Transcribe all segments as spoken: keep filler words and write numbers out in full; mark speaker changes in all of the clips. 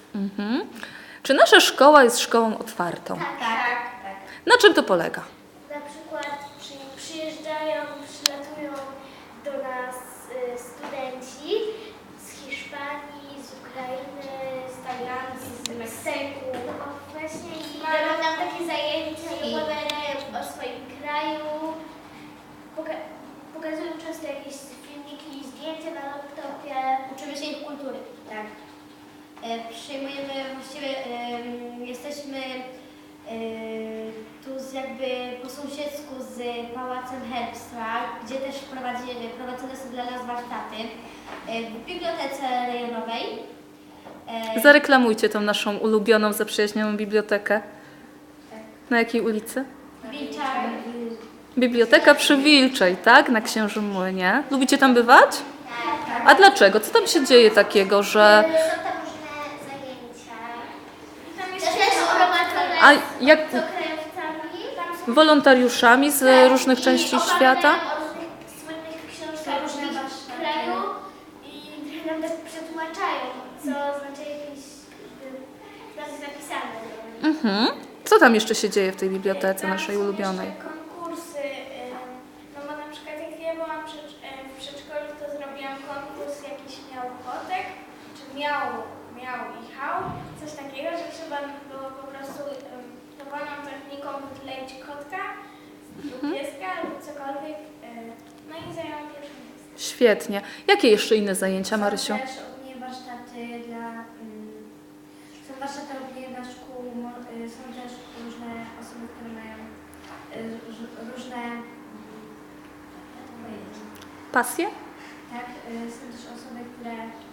Speaker 1: Mhm. Czy nasza szkoła jest szkołą otwartą?
Speaker 2: Tak, tak, tak.
Speaker 1: Na czym to polega?
Speaker 2: Na przykład przy, przyjeżdżają, przylatują do nas y, studenci z Hiszpanii, z Ukrainy, z Tajlandii, z Meksyku. No właśnie i dają nam takie zajęcia i opowiadają o swoim kraju. Poka- pokazują często jakieś filmiki i zdjęcia na laptopie. Uczymy się ich kultury.
Speaker 3: Tak. E, przyjmujemy, właściwie e, jesteśmy e, tu z jakby po sąsiedzku z Pałacem Herbstwa, gdzie też prowadzi, prowadzone są dla nas warsztaty e, w bibliotece rejonowej. E,
Speaker 1: Zareklamujcie tą naszą ulubioną, zaprzyjaźnioną bibliotekę. Na jakiej ulicy?
Speaker 3: Wilczar.
Speaker 1: Biblioteka przy Wilczej, tak? Na Księżym Młynie. Lubicie tam bywać? A dlaczego? Co tam się dzieje takiego, że...
Speaker 2: Są tam różne zajęcia.
Speaker 3: Tam jest
Speaker 2: Też jest prowadzone
Speaker 1: A jak
Speaker 2: z okrętami. Tam są
Speaker 1: wolontariuszami z różnych
Speaker 2: i
Speaker 1: części
Speaker 2: opowiadają
Speaker 1: świata?
Speaker 2: o różnych słynnych książkach
Speaker 3: Różne
Speaker 2: różnych
Speaker 3: warsztaty.
Speaker 2: kraju i trochę nam tak przetłumaczają, co znaczy jakieś tam jest napisane.
Speaker 1: Mhm. Co tam jeszcze się dzieje w tej bibliotece
Speaker 4: Tam
Speaker 1: naszej
Speaker 4: są
Speaker 1: ulubionej?
Speaker 4: jeszcze konkursy, ym, no bo na przykład jak ja byłam przed, ym, w przedszkolu, to zrobiłam konkurs jakiś miał kotek, czy miał, miał i chał, coś takiego, że trzeba było po prostu ym, dowolną techniką wykleić kotka lub pieska lub cokolwiek, ym, no i zajęłam pierwsze miejsce.
Speaker 1: Świetnie. Jakie jeszcze inne zajęcia, Marysiu?
Speaker 3: Są też ogólnie warsztaty dla... mm, Są warsztaty ogólnie dla szkół, mo- y, są też różne osoby, które mają y, róż- różne... mm, jak to powiedzieć?
Speaker 1: Pasje?
Speaker 3: Tak, y, są też osoby, które...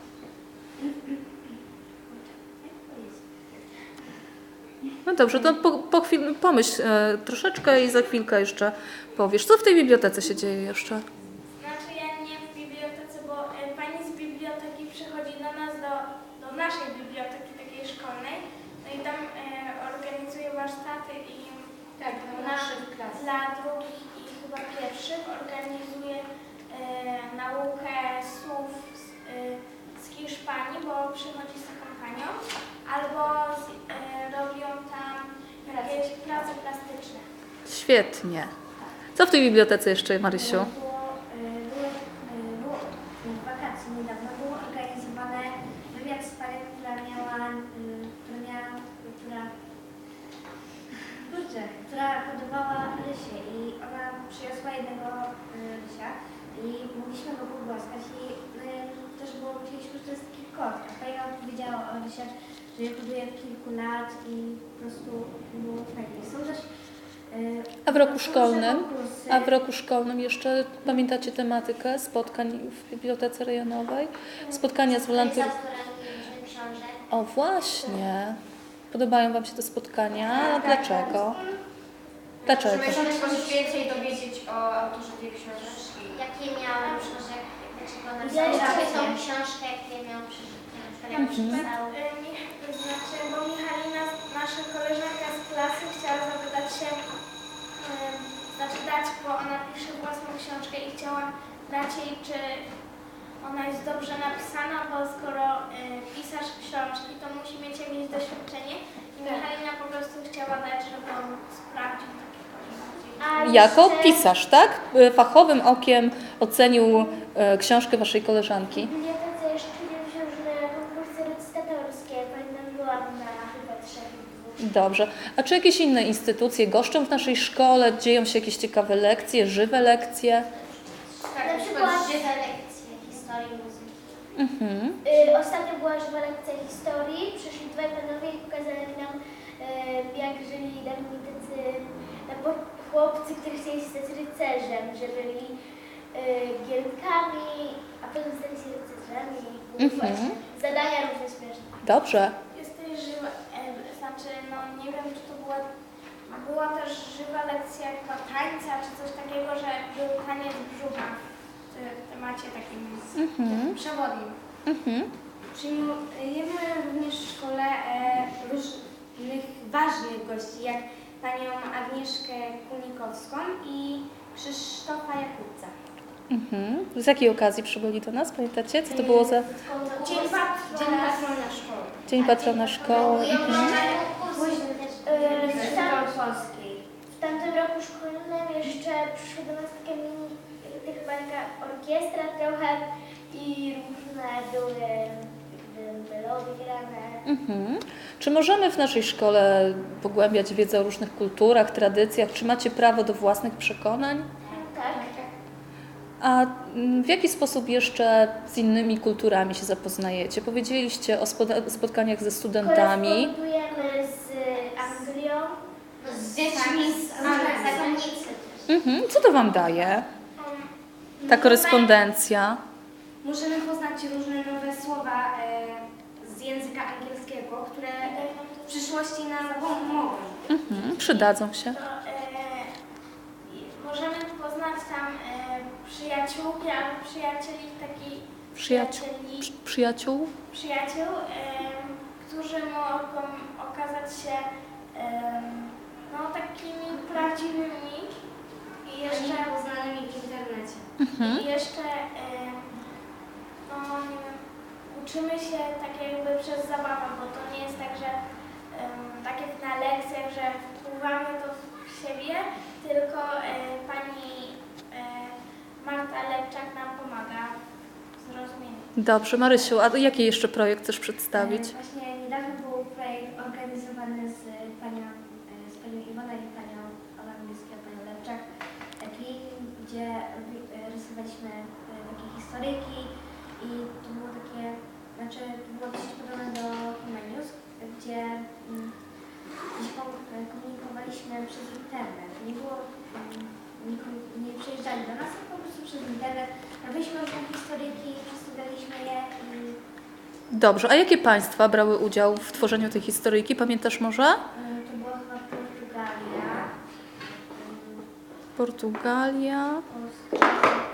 Speaker 3: Jak to powiedzieć?
Speaker 1: No dobrze, to po, po chwil, pomyśl e, troszeczkę i za chwilkę jeszcze powiesz. Co w tej bibliotece się dzieje jeszcze?
Speaker 4: Znaczy ja nie w bibliotece, bo y, pani z biblioteki przychodzi do nas, do, do naszej biblioteki takiej szkolnej, no i tam y, organizuje warsztaty i
Speaker 2: Tak,
Speaker 4: na, dla drugich i chyba pierwszych organizuje y, naukę słów z, y, z Hiszpanii, bo przychodzi z taką panią, albo z, y, robią tam jakieś prace plastyczne.
Speaker 1: Świetnie. Co w tej bibliotece jeszcze, Marysiu?
Speaker 3: Było, y, było, y, było w wakacji niedawno było organizowane wywiad z panią, która miała, y, która miała, która, kurczę, która hodowała rysie i ona przyniosła jednego y, rysia i mogliśmy go pogłaskać i y, też było, myśleliśmy, że to jest taki kot, a pani nam powiedziała o rysiach, że je hoduje od kilku lat i po prostu było fajnie. Są też y,
Speaker 1: A w roku
Speaker 3: różne
Speaker 1: szkolnym?
Speaker 3: konkursy.
Speaker 1: A w roku szkolnym jeszcze pamiętacie tematykę spotkań w bibliotece rejonowej? Spotkania z wolontariuszami.
Speaker 2: różnych książek.
Speaker 1: O właśnie. Podobają Wam się te spotkania? Dlaczego? Dlaczego?
Speaker 5: Możemy się coś więcej dowiedzieć o autorze tej książki.
Speaker 2: Jakie miałam książek, dlaczego
Speaker 3: Ja
Speaker 2: napisałam
Speaker 3: jeszcze
Speaker 2: tą
Speaker 3: wiem.
Speaker 2: książkę, jakie miałam przeczytać,
Speaker 4: Na przykład, y, Mich- to znaczy, bo Michalina, nasza koleżanka z klasy, chciała zapytać się, y, znaczy dać, bo ona pisze własną książkę i chciała dać jej, czy ona jest dobrze napisana, bo skoro y, pisarz książki, to musi mieć jakieś doświadczenie i Michalina po prostu chciała dać, żeby on sprawdził takie bardziej.
Speaker 2: A
Speaker 1: Jako
Speaker 2: jeszcze
Speaker 1: pisarz, tak? E, Fachowym okiem ocenił e, książkę Waszej koleżanki.
Speaker 2: W bibliotece jeszcze nie różne konkursy recytatorskie. Pamiętam, byłam na chyba trzech dwóch.
Speaker 1: Dobrze. A czy jakieś inne instytucje goszczą w naszej szkole? Dzieją się jakieś ciekawe lekcje, żywe lekcje?
Speaker 5: Tak,
Speaker 2: Na przykład żywe lekcje historii muzyki.
Speaker 1: Mhm.
Speaker 2: Y, ostatnio była żywa lekcja historii. Przyszli dwaj panowie i pokazali nam, y, jak żyli dawni tacy no, bo chłopcy, którzy chcieli stać rycerzem, że byli y, gierkami, a potem stali się rycerzami i były
Speaker 1: Mhm.
Speaker 2: właśnie zadania różne śmieszne.
Speaker 1: Dobrze.
Speaker 4: Jest też żywa, e, znaczy, no nie wiem, czy to była, była też żywa lekcja chyba tańca, czy coś takiego, że był taniec brzucha w, w temacie takim
Speaker 1: Mhm.
Speaker 4: przewodnim.
Speaker 1: Mhm.
Speaker 5: Przyjmujemy również w szkole e, różnych ważnych gości, jak panią Agnieszkę Kunikowską i Krzysztofa Jakubca.
Speaker 1: Mhm. Z jakiej okazji przybyli do nas? Pamiętacie? Co to było za...
Speaker 5: Dzień, pat- Dzień patrona szkoły.
Speaker 1: Dzień patrona szkoły. Mhm.
Speaker 2: E, w, tam,
Speaker 3: polskiej.
Speaker 2: w tamtym roku szkolnym jeszcze przyszły do nas takie mini, y, chyba taka orkiestra trochę i różne były jakby melody grane.
Speaker 1: Mhm. Czy możemy w naszej szkole pogłębiać wiedzę o różnych kulturach, tradycjach? Czy macie prawo do własnych przekonań?
Speaker 2: Tak.
Speaker 1: A mm, w jaki sposób jeszcze z innymi kulturami się zapoznajecie? Powiedzieliście o spoda- spotkaniach ze studentami.
Speaker 2: Korespondujemy z Anglią.
Speaker 3: Z dziećmi z zagranicy.
Speaker 1: Mhm. Co to Wam daje, ta korespondencja?
Speaker 5: Możemy poznać różne nowe słowa e, z języka angielskiego, które e, w przyszłości nam pomogą.
Speaker 1: Mhm. Przydadzą się.
Speaker 4: To, e, i możemy poznać tam e, przyjaciółki albo przyjacieli takich
Speaker 1: Przyjaciół.
Speaker 4: przyjacieli,
Speaker 1: Przy- Przyjaciół?
Speaker 4: przyjaciół, e, którzy mogą okazać się e, no, takimi prawdziwymi i jeszcze
Speaker 5: Poznanymi w internecie.
Speaker 1: Mhm.
Speaker 4: I jeszcze, e, no nie wiem, uczymy się tak jakby przez zabawę, bo to nie jest tak, że em, tak jak na lekcjach, że wpływamy to w siebie, tylko e, pani e, Marta Lepczak nam pomaga w zrozumieniu.
Speaker 1: Dobrze, Marysiu, a jaki jeszcze projekt chcesz przedstawić?
Speaker 3: E, Właśnie niedawno był projekt organizowany z panią, e, z panią Iwoną i panią Olambińską, panią Lepczak, taki, gdzie robi- e, rysowaliśmy e, takie historyjki i to było takie, znaczy to było dosyć podobne do Humanius, gdzie, mm, gdzie kom- e, komunikowaliśmy przez internet. Nie było, mm, nie, kom- nie przyjeżdżali do nas, tylko po prostu przez internet. Robiliśmy różne historyjki, przedstawialiśmy je i
Speaker 1: Dobrze, a jakie państwa brały udział w tworzeniu tej historyjki? Pamiętasz może?
Speaker 3: Mm, to była chyba Portugalia, mm,
Speaker 1: Portugalia.
Speaker 3: Polska.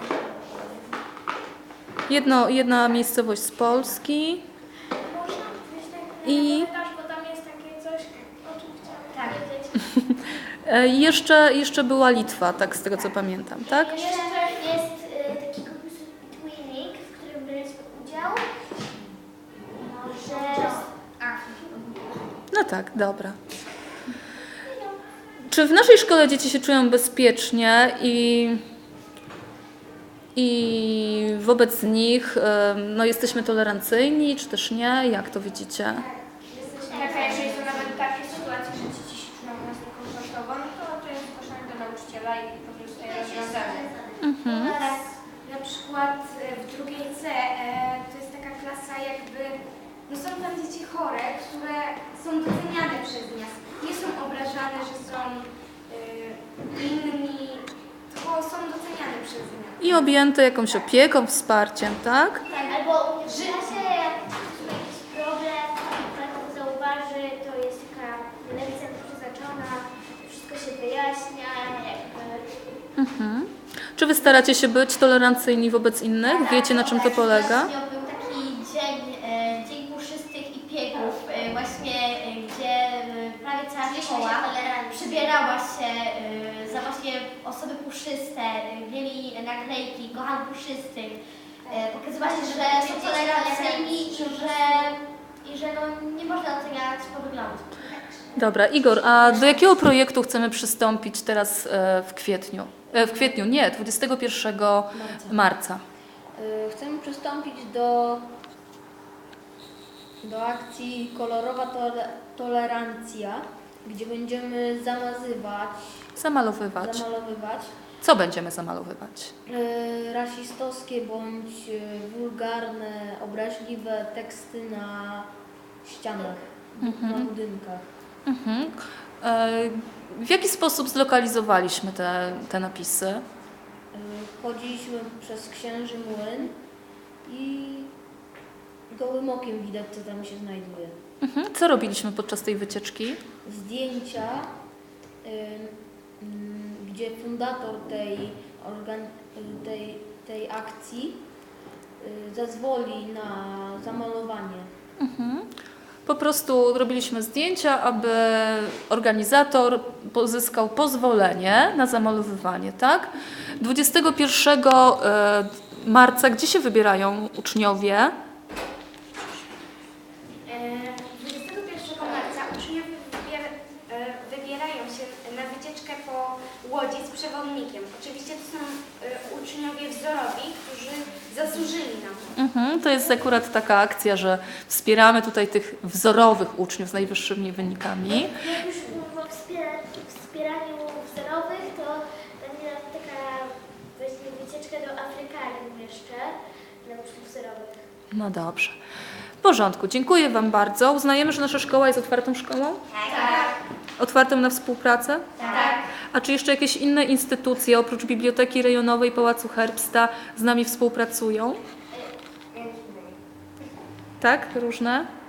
Speaker 1: Jedno, jedna miejscowość z Polski.
Speaker 4: Można gdzieś tak
Speaker 1: I-
Speaker 4: na komentarz, bo tam jest takie coś, o czym chciałam
Speaker 3: Tak.
Speaker 4: powiedzieć.
Speaker 1: E, jeszcze, jeszcze była Litwa, tak z tego co pamiętam, tak?
Speaker 2: Jeszcze jest y, taki konkurs Twinning, w którym braliśmy udział. Może...
Speaker 1: No tak, dobra. Czy w naszej szkole dzieci się czują bezpiecznie i, i wobec nich em, no, jesteśmy tolerancyjni, czy też nie? Jak to widzicie?
Speaker 5: Tak, a jeżeli są nawet takie sytuacje, że dzieci się czują nas niekomfortowo, no to to jest zgłoszenie do nauczyciela i po prostu je rozwiązanie.
Speaker 1: Mhm.
Speaker 5: Tak, na przykład e, w drugiej C e, to jest taka klasa jakby, no są tam dzieci chore, które są doceniane przez nas. Nie są obrażane, że są e, inni, tylko są doceniane przez nas.
Speaker 1: I objęte jakąś opieką, wsparciem, tak?
Speaker 2: Tak, albo u mnie w klasie, jak jest jakiś problem, pan to zauważy, to jest taka lekcja przeznaczona, wszystko się wyjaśnia, jakby...
Speaker 1: Mhm. Czy wy staracie się być tolerancyjni wobec innych? Wiecie, na czym to polega?
Speaker 3: Ostatnio był taki dzień, e, dzień puszystych i piegów, e, właśnie e, gdzie e, prawie cała szkoła przybierała się e, za właśnie osoby puszyste, e, mieli naklejki, kocham puszystych. E, pokazywali, że są tolerancyjni i że, i że no, nie można oceniać po wyglądzie.
Speaker 1: Dobra, Igor, a do jakiego projektu chcemy przystąpić teraz e, w kwietniu? E, w kwietniu, nie, dwudziestego pierwszego marca.
Speaker 6: Y, Chcemy przystąpić do, do akcji Kolorowa tole, Tolerancja, gdzie będziemy zamazywać,
Speaker 1: Zamalowywać.
Speaker 6: zamalowywać
Speaker 1: Co będziemy zamalowywać?
Speaker 6: y, rasistowskie bądź y, wulgarne, obraźliwe teksty na ścianach, na budynkach.
Speaker 1: Mhm. E, w jaki sposób zlokalizowaliśmy te, te napisy?
Speaker 6: Y, Chodziliśmy przez Księży Młyn i gołym okiem widać, co tam się znajduje.
Speaker 1: Mhm. Co robiliśmy podczas tej wycieczki?
Speaker 6: Zdjęcia, y, mm, gdzie fundator tej, organ, y, tej, tej akcji y, zezwoli na zamalowanie.
Speaker 1: Mhm. Po prostu robiliśmy zdjęcia, aby organizator pozyskał pozwolenie na zamalowywanie, tak? dwudziestego pierwszego e, marca, gdzie się wybierają uczniowie?
Speaker 4: E,
Speaker 5: łodzi z przewodnikiem. Oczywiście to są y, uczniowie wzorowi, którzy zasłużyli na to.
Speaker 1: Mhm, to jest akurat taka akcja, że wspieramy tutaj tych wzorowych uczniów z najwyższymi wynikami.
Speaker 2: Jak już mówię o wspiera, wspieraniu wzorowych, to będzie taka właśnie wycieczka do Afrykarium jeszcze dla uczniów wzorowych.
Speaker 1: No dobrze. W porządku, dziękuję Wam bardzo. Uznajemy, że nasza szkoła jest otwartą szkołą?
Speaker 5: Tak.
Speaker 1: Otwartą na współpracę?
Speaker 5: Tak.
Speaker 1: A czy jeszcze jakieś inne instytucje oprócz Biblioteki Rejonowej Pałacu Herbsta z nami współpracują? Tak? Różne?